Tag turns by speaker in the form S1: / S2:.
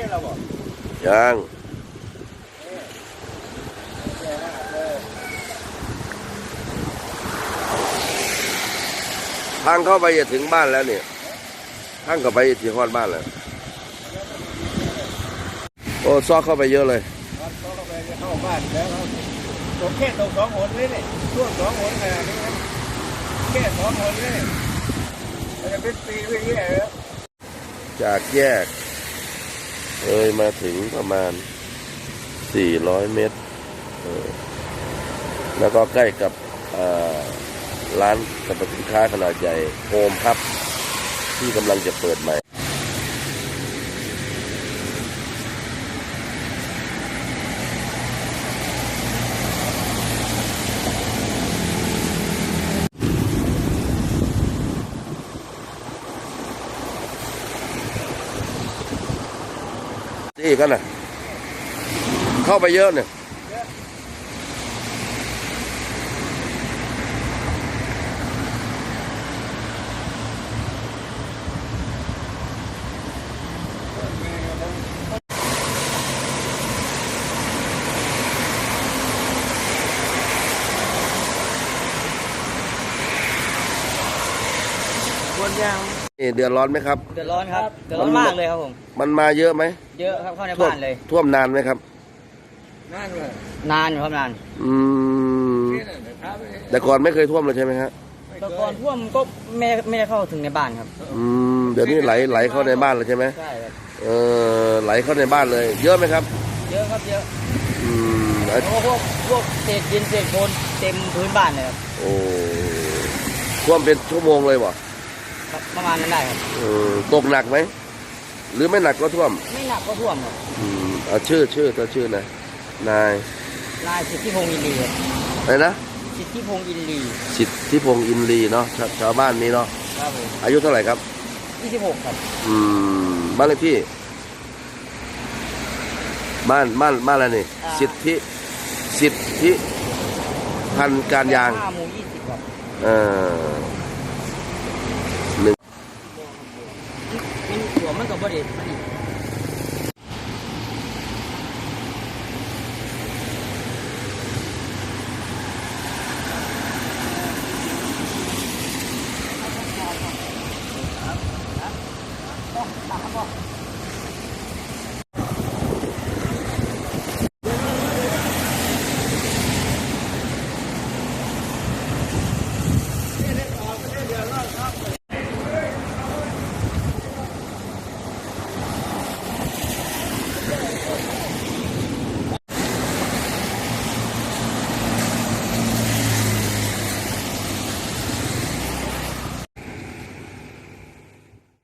S1: เราบอก
S2: ยังทางเข้าไปจะถึงบ้านแล้วเนี่ยทางเข้าไปถึงฮอดบ้านแล้วโอ้ซอกเข้าไปเยอะเลย
S1: ซอกเข้าไปเข้าบ้านแล้วครับผมแค่ตก2 หนเลยเนี่ยช่วง2 หนขนาดนี้แค่2 หนเลยมันจะเป็นปีไม่แย่แล้ว
S2: จากแยกมาถึงประมาณ400 เมตรแล้วก็ใกล้กับร้านสรรพสินค้าขนาดใหญ่โฮมครับที่กำลังจะเปิดใหม่นี่กันนะเข้าไปเยอะเนี่ยเดือดร้อนไหมครับ
S3: เดือดร้อนครับเดือดร้อนมากเลยครับผม
S2: มันมาเยอะไหม
S3: เยอะครับเข้าในบ้านเลย
S2: ท่วมนานไหมครับ
S1: นานเลย
S3: นานอยู่ครับนาน
S2: แต่ก่อนไม่เคยท่วมเลยใช่ไหมครับ
S3: แต่ก่อนท่วมก็ไม่ได้เข้าถึงในบ้านครับ
S2: เดี๋ยวนี้ไหลเข้าในบ้านเลยใช่ไหม
S3: ใช่ครับ
S2: ไหลเข้าในบ้านเลยเยอะไหมครับ
S3: เยอะครับเยอะพวกเศษดินเศษโคลนเต็มพื้นบ้านเลยครับ
S2: โอ้ท่วมเป็นชั่วโมงเลยบ่
S3: ประมาณนั้นได้ครับ
S2: ตกหนักไหมหรือไม่หนักก็ท่วม
S3: ไม่หนักก็ท่วมครับ
S2: เอาชื่อตัวชื่อนะนาย
S3: สิทธิพงษ์อินลีครับ
S2: อะไรนะ
S3: สิทธิพงษ์อินลี
S2: สิทธิพงษ์อินลีเนาะชาวบ้านนี้เนาะ
S3: ครับผม
S2: อายุเท่าไหร่ครับ
S3: 26ครับ
S2: บ้านเลขที่บ้านอะไรนี่สิทธิพันธุ์การยาง
S3: หมู่20ครับหัวมันกับบริเวณ